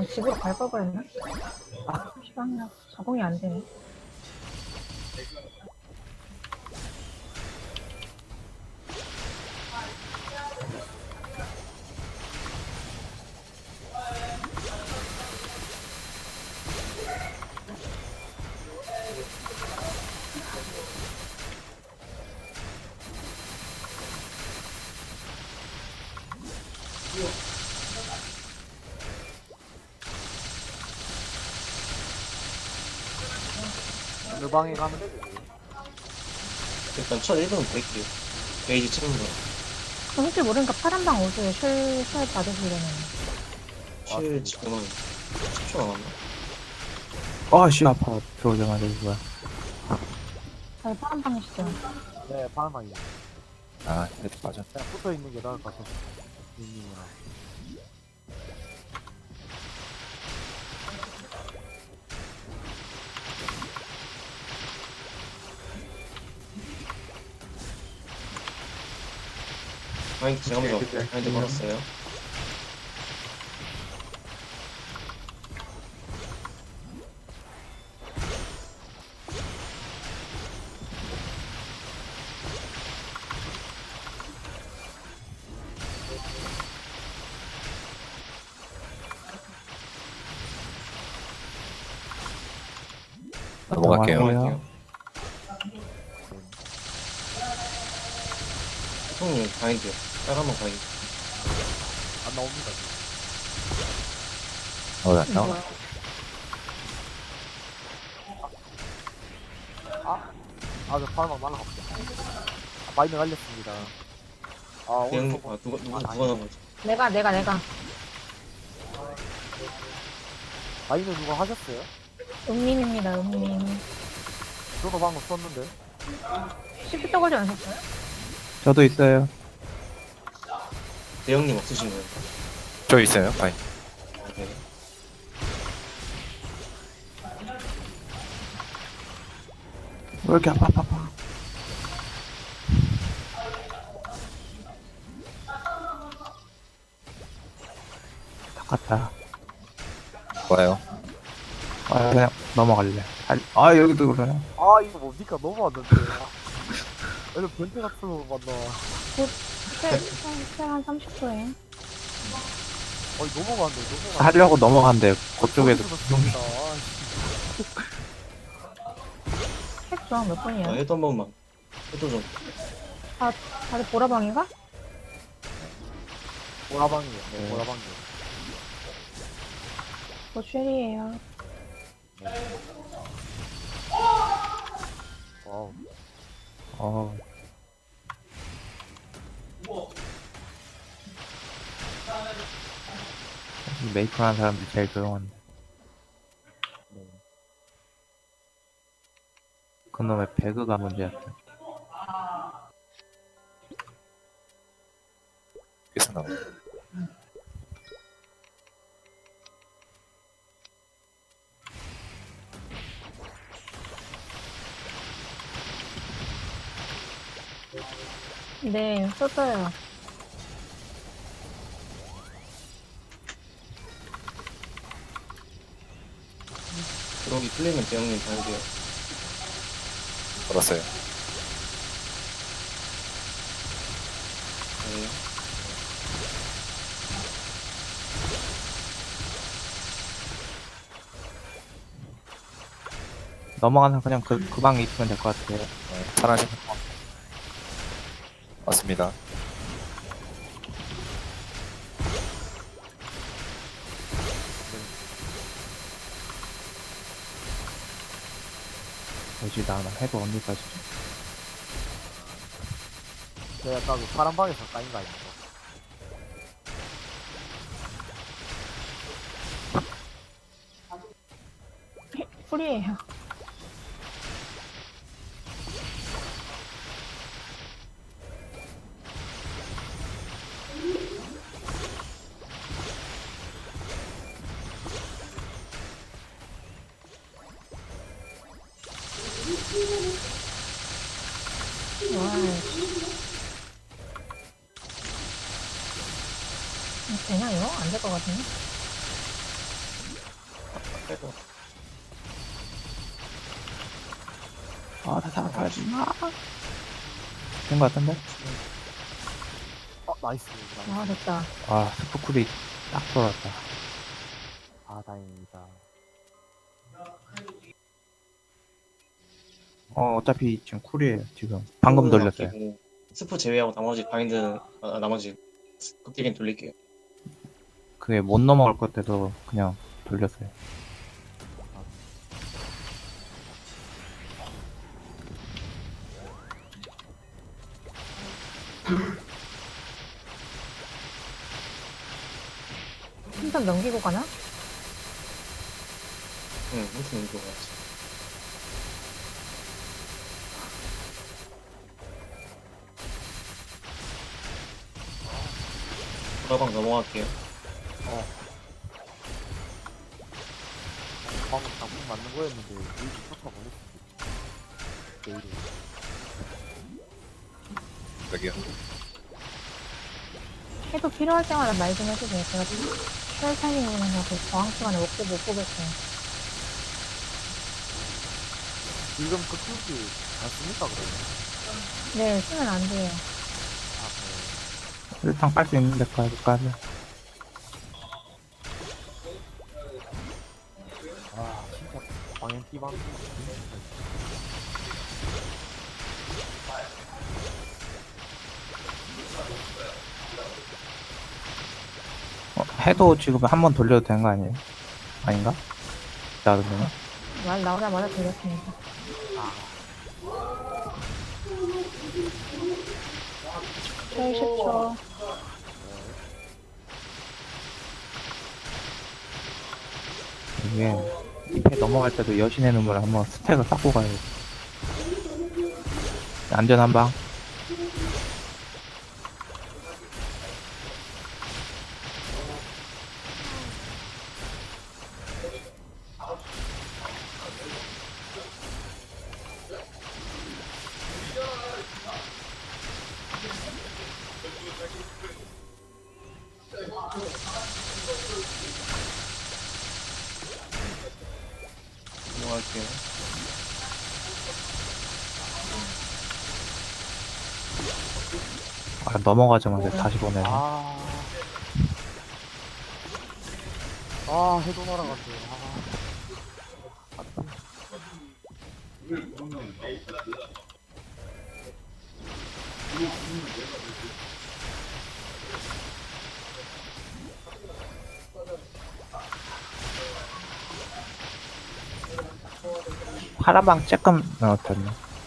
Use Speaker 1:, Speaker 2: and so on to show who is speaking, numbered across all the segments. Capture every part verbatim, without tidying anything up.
Speaker 1: 아, 집으로 갈 걸 그랬나? 아, 시간이나 적응이 안 되네.
Speaker 2: 어느 방에 가면 되지?
Speaker 3: 일단 첫 일 분은 브레이크요. 게이지 치는 거.
Speaker 1: 그럼 혹시 모르니까 파란방 오세요. 실, 실 받으시려면.
Speaker 3: 칠 지금은 십 초 남았나?
Speaker 4: 아씨 아파 들어오자마자 이거야.
Speaker 1: 다들 파란방이시죠?
Speaker 2: 네, 파란 방이야.
Speaker 4: 아 그래도 맞아.
Speaker 2: 그냥 붙어 있는 게 나을 것 같아서. 님이랑.
Speaker 3: 마인드 제가 먼저 할게요. 마인드 걸었어요.
Speaker 4: 넘어갈게요.
Speaker 3: 넘어갈게요. 형님 바인드요. 빨간방 바인드.
Speaker 2: 안 나옵니다. 지금.
Speaker 4: 어, 나 나와.
Speaker 1: 뭐야?
Speaker 2: 아, 저 파란 방 날라갑니다. 아, 마이너 갈렸습니다. 아, 오늘
Speaker 3: 대형
Speaker 2: 저거-
Speaker 3: 아 누가 누가
Speaker 2: 아,
Speaker 3: 누가
Speaker 2: 아니.
Speaker 3: 나머지?
Speaker 1: 내가, 내가, 내가.
Speaker 2: 마이너 누가 하셨어요?
Speaker 1: 음님입니다, 음님.
Speaker 2: 저도 방금 썼는데.
Speaker 1: 시프트 걸지 않으셨어요?
Speaker 4: 저도 있어요.
Speaker 3: 대형님 없으신 거예요?
Speaker 4: 저 있어요. 바이.
Speaker 3: 아, 네.
Speaker 4: 왜 이렇게 아파 아파 아파. 똑같다.
Speaker 5: 좋아요.
Speaker 4: 아 그냥 넘어갈래. 달- 아 여기도 그러네.
Speaker 2: 아, 이거 뭡니까? 너무 왔는데. 이거 변태 같은 거 만나.
Speaker 1: 실, 실, 실한 삼십 초에.
Speaker 2: 어이, 넘어가는데, 넘어가.
Speaker 4: 하려고 넘어간대. 그쪽에도.
Speaker 2: 습니다
Speaker 1: 책 중앙 몇
Speaker 3: 아,
Speaker 1: 분이에요?
Speaker 3: 해도 한 번만. 해도 좀.
Speaker 1: 다, 다들 보라방인가?
Speaker 2: 보라방이에요. 네,
Speaker 4: 네.
Speaker 2: 보라방이에요.
Speaker 1: 뭐 쉘이에요.
Speaker 2: 와우.
Speaker 4: 어. 메이플 하는 사람들이 제일 조용한데.
Speaker 2: 네.
Speaker 4: 그놈의 배그가 문제였다.
Speaker 5: 계속 나와.
Speaker 1: 네, 썼어요.
Speaker 3: 그러기 풀리면 대형님 바인드요.
Speaker 5: 걸었어요.
Speaker 3: 네.
Speaker 4: 넘어가서 그냥 그, 그 방에 있으면 될 것 같아요.
Speaker 5: 네, 파란색. 맞습니다.
Speaker 4: 뭐지, 나, 나 해도 언니까지.
Speaker 2: 제가 아까 그 파란 방에서 까인 거 아닙니까?
Speaker 1: 풀이에요. 와, 되냐 이거? 안 될 것 같은데?
Speaker 3: 빼고.
Speaker 4: 아, 다 잡아야지. 된거 같은데?
Speaker 2: 어 나이스 나이스.
Speaker 1: 아, 됐다.
Speaker 4: 아, 스포쿨이 딱 돌았다.
Speaker 2: 아 다행입니다.
Speaker 4: 어, 어차피 지금 쿨이에요, 지금. 방금
Speaker 3: 스프
Speaker 4: 돌렸어요.
Speaker 3: 아끼고, 스프 제외하고 나머지 바인드, 아, 나머지 극딜인 돌릴게요.
Speaker 4: 그게 못 넘어갈 것 같아서 그냥 돌렸어요.
Speaker 1: 한번 넘기고 가나?
Speaker 3: 응, 무슨 이거 같지. 도라방 넘어갈게요.
Speaker 2: 방금 장풍 맞는 거였는데 게이지 쫓아 보냈습니다. 게이지.
Speaker 5: 여기요.
Speaker 1: 해도 필요할 때마다 말 좀 해주세요. 제가 쉘 타이밍 오는 거고 저항 시간에 못, 보- 못 보겠어요.
Speaker 2: 지금 그 툴기 안 씁니까 그러면?
Speaker 1: 네, 쓰면 안 돼요.
Speaker 2: 아 네.
Speaker 4: 일단 깔 수 있는 데까지.
Speaker 2: 아 진짜 광연 띠방.
Speaker 4: 어, 해도 지금 한 번 돌려도 되는 거 아니에요? 아닌가? 나그러면
Speaker 1: 말 나오자마자 들렸습니다. 쉘 십 초.
Speaker 4: 이게 잎에 넘어갈 때도 여신의 눈물 한번 스택을 쌓고 가야 돼. 안전 한 방.
Speaker 3: 넘어갈게요.
Speaker 4: 아, 넘어가자마자 다시 보내네.
Speaker 2: 아. 아 해도 날아갔네. 아.
Speaker 4: 파라방 쬐끔 넣었잖네.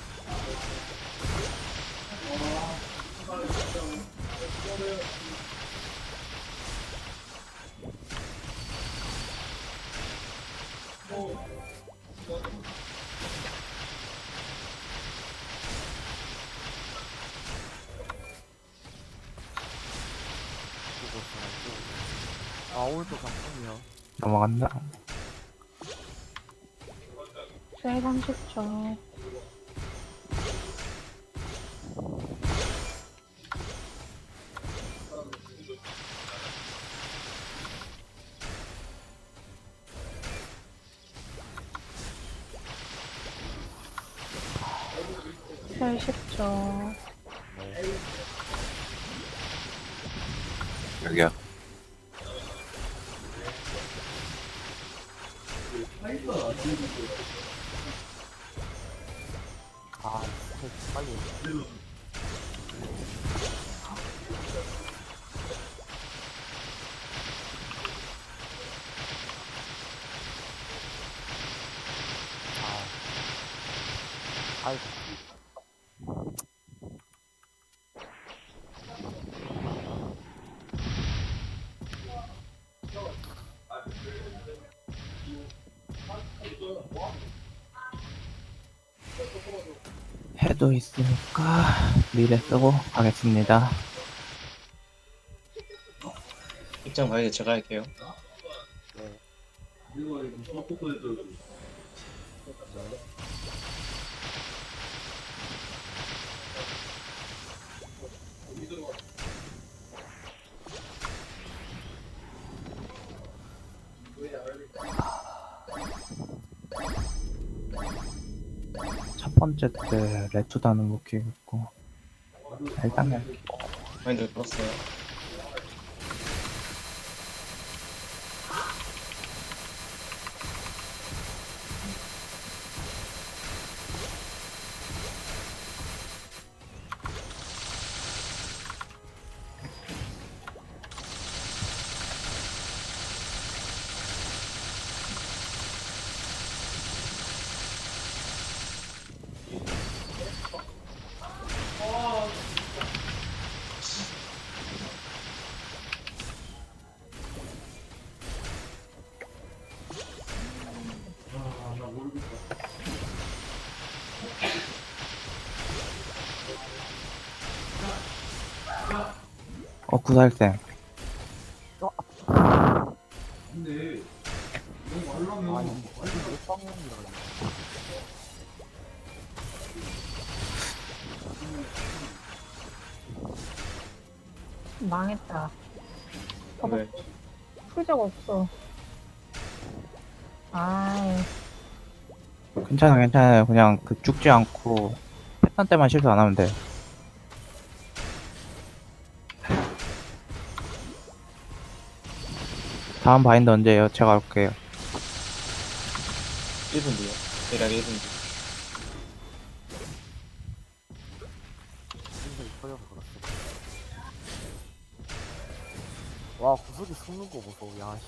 Speaker 2: 아 오늘도 장풍이요.
Speaker 4: 넘어간다.
Speaker 1: 쉘 삼십 초. 쉘 십 초.
Speaker 5: 여기요.
Speaker 2: 아 진짜 빨리. 아. 아이고.
Speaker 4: 해도 있으니까 미래 쓰고 가겠습니다.
Speaker 3: 입장 바인드 제가 할게요.
Speaker 2: 네.
Speaker 4: 첫 번째 때 레투다는 못 키웠고 일단 그냥
Speaker 3: 마인드 걸었어요.
Speaker 4: 어 구살생
Speaker 2: 아 이게 왜 빵이라
Speaker 1: 망했다. 어,
Speaker 3: 네.
Speaker 1: 풀적 없어. 아이,
Speaker 4: 괜찮아 괜찮아요. 그냥 그 죽지 않고 패턴 때만 실수 안 하면 돼. 다음 바인드 언제예요? 제가 할게요.
Speaker 3: 일 분 뒤요. 대략 일 분 뒤.
Speaker 2: 인생이 터져서 그렇어. 와 구석이 숨는 거 보소. 야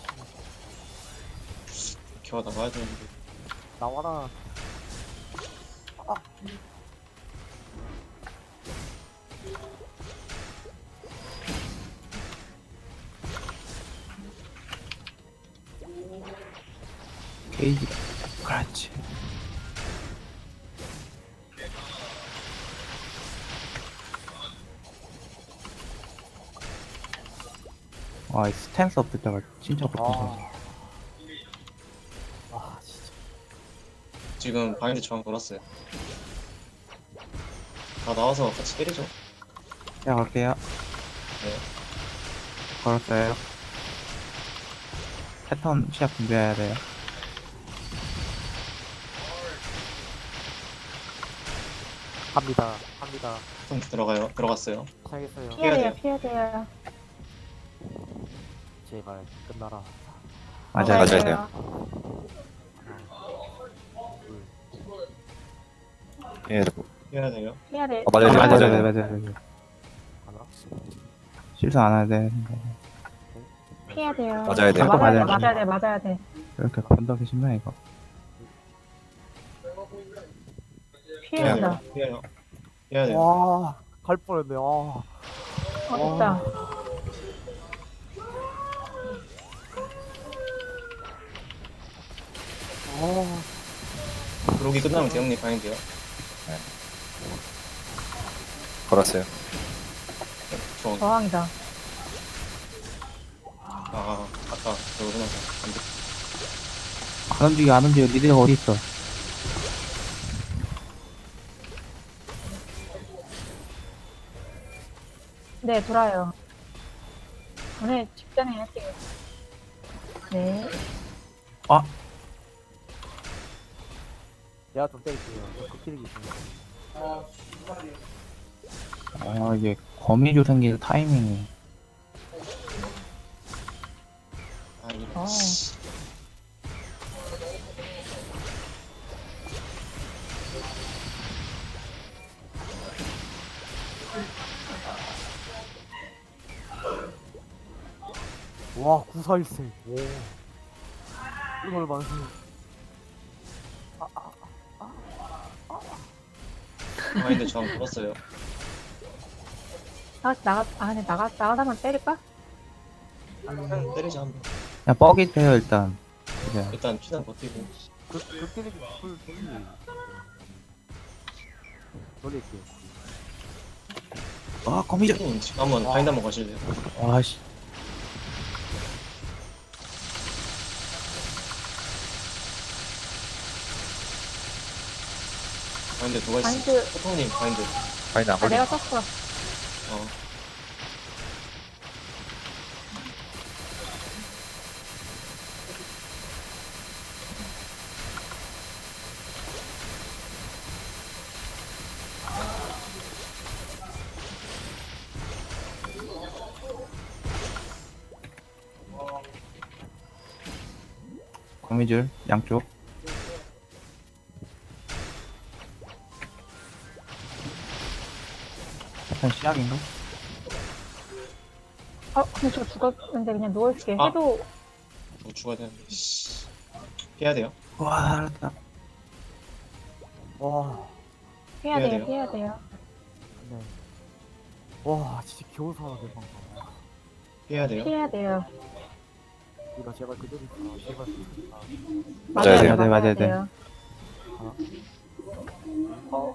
Speaker 2: 씨.
Speaker 3: 겨우 나가야 되는데.
Speaker 2: 나와라.
Speaker 4: 게이지 그렇지. 와, 이 스탠스 없을 때가 진짜 고통스러워.
Speaker 2: 아. 아 진짜.
Speaker 3: 지금 바인드 저항 걸었어요. 다 나와서 같이 때리죠.
Speaker 4: 제가 갈게요.
Speaker 3: 네.
Speaker 4: 걸었어요. 패턴 시작 준비해야 돼요.
Speaker 2: 갑니다. 갑니다.
Speaker 3: 좀 들어가요. 들어갔어요.
Speaker 2: 시작했어요.
Speaker 1: 피해야 돼요,
Speaker 3: 돼요.
Speaker 1: 피해야 돼요.
Speaker 2: 제발 끝나라.
Speaker 4: 맞아요.
Speaker 5: 맞아야 돼요. 예,
Speaker 3: 해야 돼요.
Speaker 1: 피해야 돼.
Speaker 5: 어, 맞아야 돼요.
Speaker 4: 맞아요,
Speaker 5: 맞아야
Speaker 4: 맞아요,
Speaker 5: 돼요.
Speaker 4: 맞아요, 맞아요.
Speaker 2: 하나.
Speaker 4: 실수 안 해야 돼.
Speaker 1: 피해야 돼요.
Speaker 5: 맞아야 돼요.
Speaker 1: 맞아야 돼,
Speaker 4: 맞아야
Speaker 1: 맞아야 돼, 맞아야 돼.
Speaker 4: 이렇게 건더기 심해, 이거.
Speaker 1: 피해야 된다.
Speaker 3: 해야요. 해야 돼요.
Speaker 2: 와, 갈 뻔했네. 아.
Speaker 1: 어, 됐다.
Speaker 2: 아.
Speaker 3: 그러기 끝나면 대형님 바인드요.
Speaker 5: 걸었어요.
Speaker 3: 저,
Speaker 1: 저항이다.
Speaker 3: 아, 아까 저거 해놔서 안 돼.
Speaker 4: 안 움직여, 안 움직여. 니들가 어디 있어?
Speaker 1: 네, 돌아요. 오늘 직전에 할게요. 네.
Speaker 4: 아,
Speaker 2: 내가 좀 때릴게요. 그 키릭이 있습니다.
Speaker 4: 아, 이게 거미줄 생길 타이밍이.
Speaker 3: 아, 이거.
Speaker 1: 어.
Speaker 2: 와, 구사일생. 오. 이걸 만세.
Speaker 3: 바인드 저항 걸었어요.
Speaker 1: 나가, 나가, 아, 근데 나가, 나가다만 때릴까?
Speaker 3: 그냥 때리자 한번.
Speaker 4: 그냥 뻑이 돼요, 일단. 이제.
Speaker 3: 일단 최대한 버티고.
Speaker 2: 그, 그 키릭이 풀, 풀. 돌릴게요.
Speaker 4: 아, 거미줄.
Speaker 3: 님 지금 한번
Speaker 2: 와.
Speaker 3: 바인드 한번 거실래요?
Speaker 4: 와, 씨.
Speaker 3: 바인드 누가 있어?
Speaker 1: 바인드.
Speaker 3: 포통님 바인드.
Speaker 5: 바인드 안
Speaker 1: 아,
Speaker 5: 걸리
Speaker 1: 내가 썼어.
Speaker 3: 어.
Speaker 4: 거미줄 양쪽. 일단 시작인가?
Speaker 1: 어, 근데 저 죽었는데 그냥 누워있게
Speaker 3: 아.
Speaker 1: 해도
Speaker 3: 뭐 죽어야 되는데. 씨. 피해야 돼요.
Speaker 4: 와 알았다.
Speaker 2: 와,
Speaker 1: 해야
Speaker 3: 해야
Speaker 1: 돼요,
Speaker 3: 돼요.
Speaker 1: 해야 돼요.
Speaker 2: 네. 와, 진짜 겨우 살아내 방금.
Speaker 3: 피해야 돼요.
Speaker 1: 피해야 돼요.
Speaker 2: 이거 제발 그대로 있어. 제발. 아,
Speaker 5: 맞아야 돼요.
Speaker 4: 맞아야 맞아야 돼요.
Speaker 1: 어,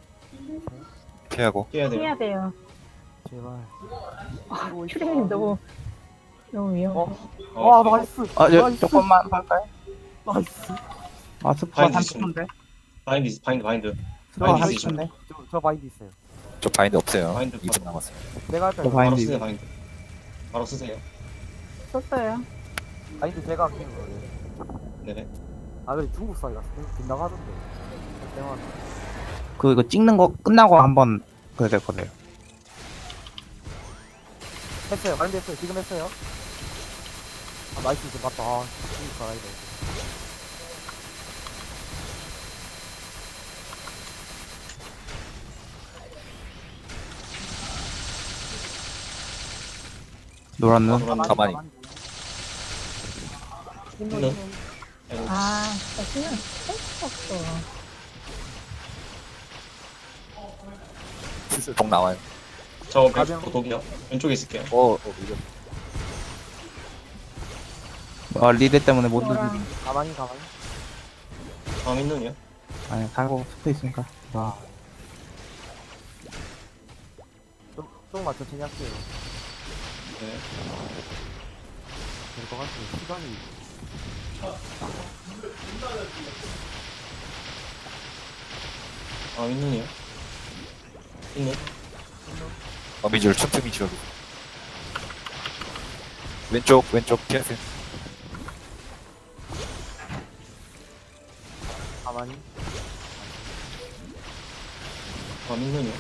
Speaker 5: 피하고.
Speaker 3: 피해야 돼요.
Speaker 1: 피해야 돼요.
Speaker 2: 제발.
Speaker 1: 아, 큐레님 너무, 너무 위험해.
Speaker 2: 어,
Speaker 3: 어,
Speaker 2: 와, 나이스.
Speaker 4: 아, 저,
Speaker 2: 나이스.
Speaker 4: 조금만 할까요?
Speaker 2: 나이스.
Speaker 4: 아, 스프가
Speaker 3: 바인드
Speaker 4: 삼
Speaker 3: 있습니다.
Speaker 4: 초인데?
Speaker 3: 바인드, 있- 바인드, 바인드.
Speaker 4: 스프가
Speaker 3: 바인드
Speaker 4: 삼
Speaker 3: 있으시면
Speaker 4: 초인데?
Speaker 2: 저, 저 마인드 있어요.
Speaker 5: 저 바인드 없어요.
Speaker 3: 바인드
Speaker 5: 이 분 남았어요.
Speaker 2: 내가 할까요?
Speaker 4: 저
Speaker 3: 바로
Speaker 4: 바인드
Speaker 3: 쓰세요,
Speaker 4: 이거.
Speaker 3: 바인드. 바로 쓰세요.
Speaker 1: 썼어요.
Speaker 2: 마인드 제가 아끼는 거예요.
Speaker 3: 네네.
Speaker 2: 아, 근데 중국 사이가 빗나가던데. 대만.
Speaker 4: 그, 이거 찍는 거 끝나고 한번 그래야 될 거예요.
Speaker 2: 했어요. 마인드 했어요. 지금 했어요. 아, 나이스. 이제 맞다. 아, 중국 사이다.
Speaker 4: 노란 눈.
Speaker 3: 노란
Speaker 5: 가만히.
Speaker 2: 힘도
Speaker 3: 네.
Speaker 2: 힘도.
Speaker 3: 아이고,
Speaker 1: 아, 진짜 신경 쓸수 없어.
Speaker 5: 슬슬 독 나와요.
Speaker 3: 저
Speaker 2: 가병.
Speaker 3: 왼쪽 독이요. 왼쪽에 있을게요.
Speaker 5: 어, 어, 이거.
Speaker 4: 어, 리드 때문에 못 누르.
Speaker 1: 노랑.
Speaker 2: 가만히, 가만히.
Speaker 3: 다음 있는요.
Speaker 4: 아니, 살고 스프 있으니까. 아,
Speaker 2: 좀, 조금만 천천히 할게요.
Speaker 3: 네.
Speaker 2: 될 것 같아요. 시간이.
Speaker 3: 다음 있는요. 있는.
Speaker 5: 어미줄 틈틈이 지워도. 왼쪽, 왼쪽 피하세요.
Speaker 2: 가만히.
Speaker 3: 다음 있는요.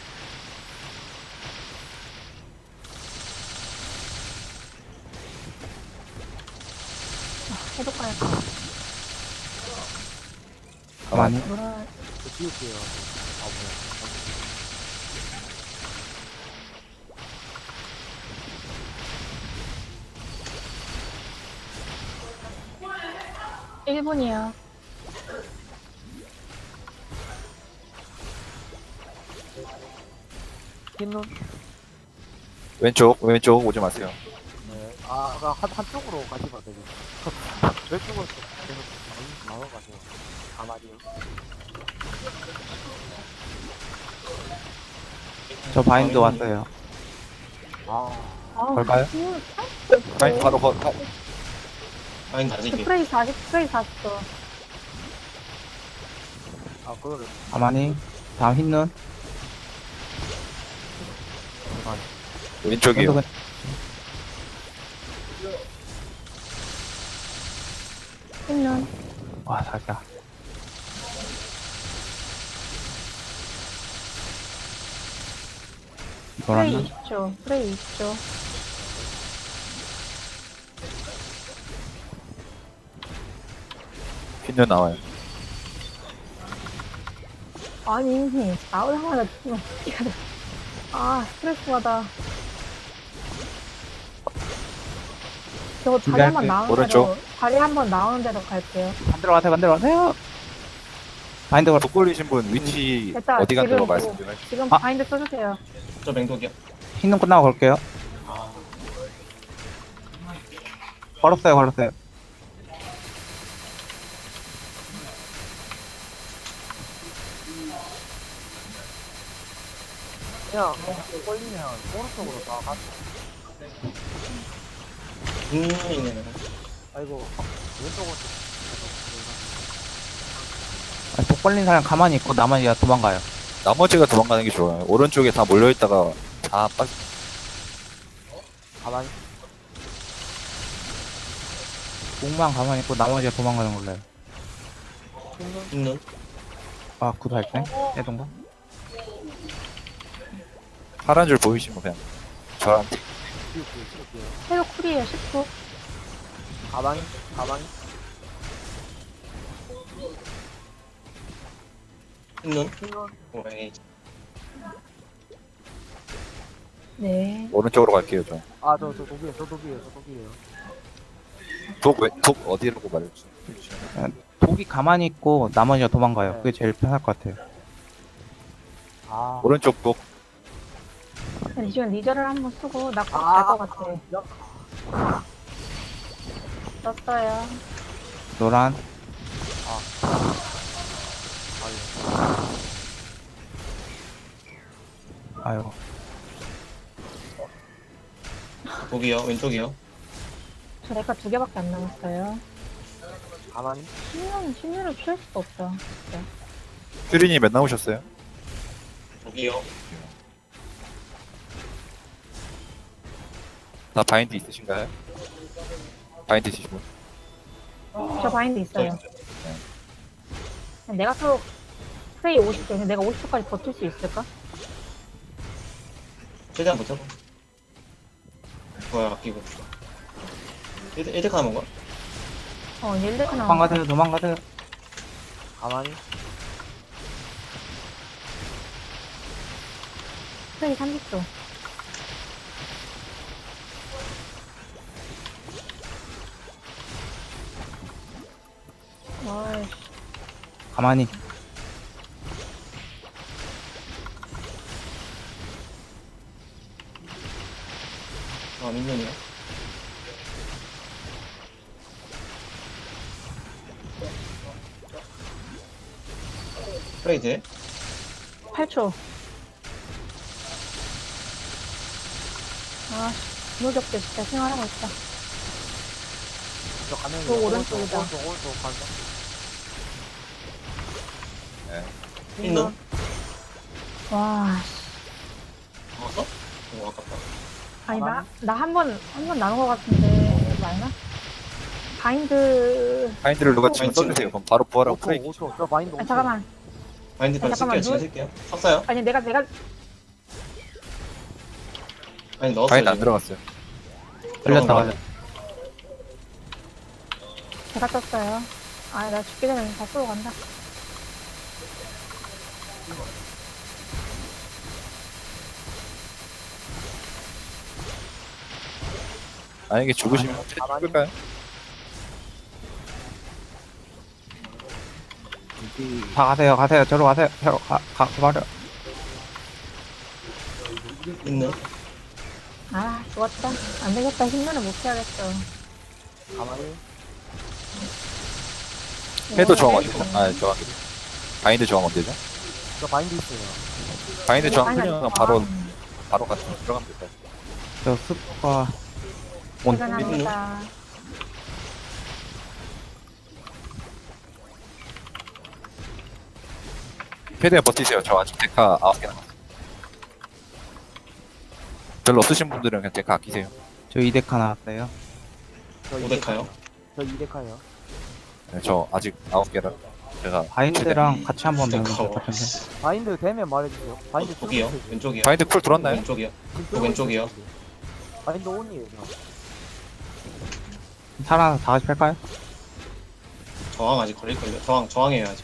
Speaker 1: 해독가야.
Speaker 4: 가만히.
Speaker 1: 노란.
Speaker 2: 저 지울게요. 아, 뭐야.
Speaker 1: 일 분이요.
Speaker 2: 흰눈?
Speaker 5: 왼쪽, 왼쪽 오지 마세요.
Speaker 2: 네. 아, 아, 한, 한쪽으로 가시면 되겠 왼쪽으로 좀 계속 나눠- 나눠가세요. 가만히요.
Speaker 4: 저 바인드
Speaker 3: 다음 있는요.
Speaker 4: 왔어요.
Speaker 2: 아,
Speaker 1: 아,
Speaker 4: 걸까요?
Speaker 1: 이거
Speaker 5: 바인드 바로 거, 거.
Speaker 3: 바인드 아직이.
Speaker 1: 스프레이 사십, 스프레이 사십도.
Speaker 2: 아, 그거를.
Speaker 4: 가만히. 다음 흰 눈.
Speaker 2: 가만히.
Speaker 5: 왼쪽이요.
Speaker 4: 왼쪽은
Speaker 1: 있는.
Speaker 4: 와, 살까. 노란
Speaker 1: 스프레이
Speaker 4: 눈.
Speaker 1: 이십 초. 스프레이 이십 초.
Speaker 5: 흰눈 나와요.
Speaker 1: 아니, 나오자마자 좀 뛰어야 돼. 아, 스트레스 받아. 저거 다리 한 번
Speaker 4: 준비할게요.
Speaker 1: 나오는
Speaker 5: 오른쪽.
Speaker 1: 대로, 다리 한 번 나오는 대로 갈게요.
Speaker 4: 반대로 가세요, 반대로 가세요. 바인드 걸.
Speaker 5: 독 걸리신 분 위치
Speaker 1: 됐다,
Speaker 5: 어디 간다고
Speaker 1: 지금
Speaker 5: 말씀 좀 해주세요.
Speaker 1: 지금
Speaker 4: 아.
Speaker 1: 바인드 써주세요.
Speaker 3: 저 맹독이요.
Speaker 4: 흰 눈 끝나고 걸게요. 걸었어요, 걸었어요.
Speaker 2: 그냥, 걸리면 오른쪽으로 다 가.
Speaker 3: 있는 있는.
Speaker 2: 아이고, 왼쪽으로.
Speaker 4: 아니, 독 걸린 사람 가만히 있고 나머지 가 도망가요.
Speaker 5: 나머지가 도망가는 게 좋아요. 오른쪽에 다 몰려있다가 다 빠,
Speaker 2: 가만히.
Speaker 4: 독만 가만히 있고 나머지가 도망가는 걸로 해요.
Speaker 2: 흰눈?
Speaker 3: 있는.
Speaker 4: 아, 구도 할때 해동가?
Speaker 5: 파란 줄 보이시면 그냥 저한테
Speaker 2: 지울게요, 지울게요.
Speaker 1: 해독 쿨이에요, 십 초.
Speaker 2: 가만히, 가만히.
Speaker 3: 흰눈.
Speaker 2: 흰눈.
Speaker 3: 오, 에이지.
Speaker 1: 네.
Speaker 5: 오른쪽으로 갈게요, 저.
Speaker 2: 아, 저, 저 독이에요. 저 독이에요. 저 독이에요.
Speaker 5: 독, 왜, 독 어디라고 말해주세요.
Speaker 4: 독이 가만히 있고 나머지가 도망가요.
Speaker 2: 네.
Speaker 4: 그게 제일 편할 것 같아요.
Speaker 2: 아.
Speaker 5: 오른쪽 독.
Speaker 1: 리전 리저를 한번 쓰고 나
Speaker 2: 아.
Speaker 1: 갈 것 같아.
Speaker 2: 야,
Speaker 1: 떴어요.
Speaker 4: 노란.
Speaker 2: 아유.
Speaker 4: 아유.
Speaker 3: 독이요. 왼쪽이요.
Speaker 1: 저 레카 두 개밖에 안 남았어요.
Speaker 2: 가만히.
Speaker 1: 신년 신년을 피할 수가 없어. 진짜.
Speaker 5: 퓨린이 몇 나오셨어요?
Speaker 3: 독이요.
Speaker 5: 다 바인드 있으신가요? 바인드 있으시고.
Speaker 1: 저 바인드
Speaker 3: 저
Speaker 1: 있어요. 내가 또 프레이 오십 초. 내가 오십 초까지 버틸 수 있을까?
Speaker 3: 최대한 버텨봐. 뭐야, 아끼고. 일대, 일대 가는 건가?
Speaker 1: 어, 일레카 나와.
Speaker 4: 도망가세요. 도망가세요.
Speaker 2: 가만히.
Speaker 1: 프레이 삼십 초. 아이씨.
Speaker 4: 가만히.
Speaker 3: 아, 민눈이요. 프레이 돼?
Speaker 1: 팔 초. 아, 무적대 진짜 생활하고 있다.
Speaker 2: 저 가면.
Speaker 1: 저 오른쪽이다.
Speaker 2: 오른쪽, 오른쪽 간다.
Speaker 3: 민눈?
Speaker 1: 와,
Speaker 3: 먹었어? 오, 아깝다.
Speaker 1: 아니 나 나 한 번 한 번 나온 것 같은데 맞나? 바인드.
Speaker 5: 바인드를 누가 지금
Speaker 3: 바인드
Speaker 5: 써주세요. 그럼 바로 부활하고
Speaker 2: 오 초,
Speaker 5: 프레이.
Speaker 2: 오 초. 저 마인드 오 초.
Speaker 1: 아 잠깐만.
Speaker 3: 바인드 빨리
Speaker 1: 아, 잠깐만,
Speaker 3: 쓸게요. 지금 쓸게요. 샀어요?
Speaker 1: 아니 내가 내가
Speaker 3: 아니, 넣었어요.
Speaker 5: 바인드 안
Speaker 3: 지금.
Speaker 5: 들어갔어요.
Speaker 4: 걸렸다.
Speaker 3: 들어간 거
Speaker 4: 걸렸다.
Speaker 1: 제가 떴어요. 아, 나 죽기 전에 다 쏘고 간다.
Speaker 5: 만약에 죽으시면
Speaker 2: 가만히.
Speaker 5: 죽을까요?
Speaker 4: 다 가세요. 가세요. 저로 가세요. 저로 가. 가. 가버려.
Speaker 3: 있는?
Speaker 1: 아, 죽었다. 안 되겠다. 힘내는 못 피하겠어.
Speaker 2: 가만히.
Speaker 5: 해도 저항
Speaker 1: 네.
Speaker 5: 어디죠? 아, 저항. 바인드 저항 언제죠?
Speaker 2: 저 바인드 있어요.
Speaker 5: 바인드 저항
Speaker 1: 아니,
Speaker 5: 풀리면
Speaker 1: 아니,
Speaker 5: 바로,
Speaker 1: 아,
Speaker 5: 바로 같은 들어가면 될까요?
Speaker 4: 저 숲과 온.
Speaker 1: 퇴근합니다.
Speaker 5: 최대한 버티세요. 저 아직 데카 아홉 개 남았어요. 별로 없으신 분들은 그냥 데카 아끼세요.
Speaker 4: 저 이데카 나왔어요.
Speaker 2: 저
Speaker 3: 오데카요?
Speaker 2: 저 이데카요.
Speaker 5: 네, 저 아직 아홉 개라. 제가
Speaker 4: 바인드랑 같이 한번 배우면
Speaker 3: 오데카.
Speaker 4: 될 것 같은데.
Speaker 2: 바인드 되면 말해주세요. 바인드
Speaker 3: 어, 독이요?
Speaker 2: 쓰고 있어요.
Speaker 3: 왼쪽이요?
Speaker 5: 바인드 쿨 들어왔나요?
Speaker 3: 왼쪽이요?
Speaker 2: 지금
Speaker 3: 또 왼쪽이요?
Speaker 2: 쓰고 있어요. 바인드 온이에요.
Speaker 4: 살아서 다 같이 뺄까요?
Speaker 3: 저항 아직 걸릴걸요? 저항, 저항해요, 아직.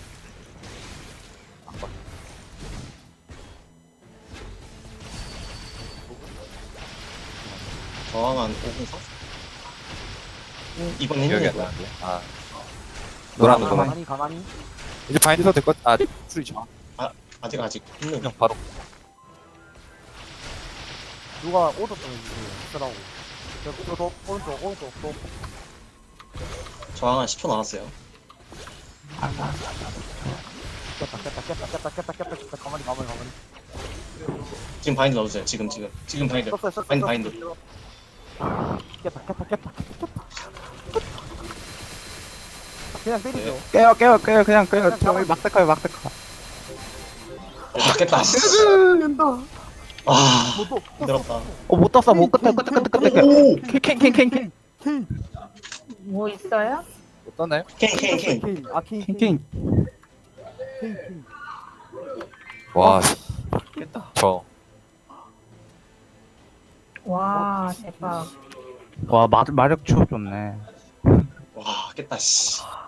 Speaker 3: 저항 한 오 분 사? 이번
Speaker 5: 기억이 안
Speaker 3: 힘내고요.
Speaker 5: 나는데. 아. 노란 거, 노란.
Speaker 2: 가만히 가만히.
Speaker 5: 이제 바인드 써도 될 것 같아. 아, 풀이 저항.
Speaker 3: 아직, 아직. 힘내.
Speaker 5: 그냥 바로.
Speaker 2: 누가 오더 보내주세요. 쓰라고. 저, 저, 저, 오른쪽, 오른쪽, 또.
Speaker 3: 저항 한 십 초 남았어요.
Speaker 2: 깼다, 깼다, 깼다, 깼다, 깼다, 깼다, 깼다. 가만히, 가만히, 가만히.
Speaker 3: 지금 바인드 넣어주세요. 지금, 지금. 지금 바인드.
Speaker 2: 썼어요, 썼어요.
Speaker 3: 바인드,
Speaker 2: 썼어요.
Speaker 3: 바인드.
Speaker 2: 깼다, 깼다, 깼다, 깼다. 그냥 때리죠.
Speaker 4: 깨요. 깨요. 깨요. 그냥 깨요. 저 막대카요. 막대카.
Speaker 3: 겠다
Speaker 2: 된다.
Speaker 3: 아,
Speaker 2: 뭐 또,
Speaker 3: 힘들었다.
Speaker 4: 어, 못 떴어. 못 끝에. 끝에. 끝에. 끝에.
Speaker 3: 오!
Speaker 4: 캔캔캔캔.
Speaker 1: 뭐 있어요?
Speaker 5: 어떠나요?
Speaker 3: 캔, 캔, 캔.
Speaker 2: 케인, 아, 케인, 케인,
Speaker 4: 캔캔.
Speaker 2: 케인, 케인.
Speaker 5: 와,
Speaker 2: 깼다.
Speaker 5: 저.
Speaker 1: 와, 대박.
Speaker 4: 와, 마, 마력 추업 좋네.
Speaker 3: 와, 깼다, 씨.